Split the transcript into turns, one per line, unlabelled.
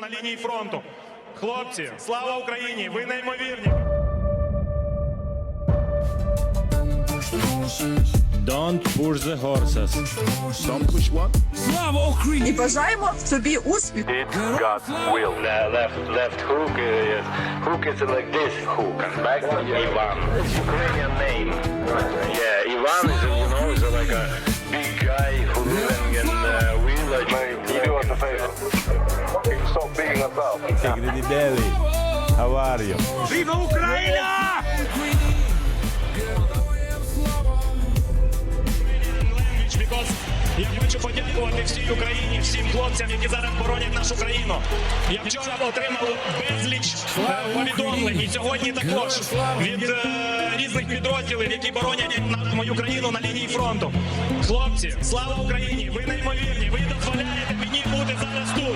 на лінії фронту. Хлопці, слава Україні! Ви неймовірні!
Don't push the horses.
Don't push what?
Слава Україні!
І бажаємо собі успіху.
It's God's will. Left hook. Hook is like this hook. Back Ivan. It's Ukrainian name. Yeah, Ivan is is like a big guy who living in village. You do us a favor. Stop being us up.
Grady Daly, how are you?
Viva Україна! Я хочу подякувати всій Україні, всім хлопцям, які зараз боронять нашу країну. Я вчора отримав безліч повідомлень і сьогодні також від різних підрозділів, які боронять мою країну на лінії фронту. Хлопці, слава Україні! Ви неймовірні! Ви дозволяєте мені бути зараз тут.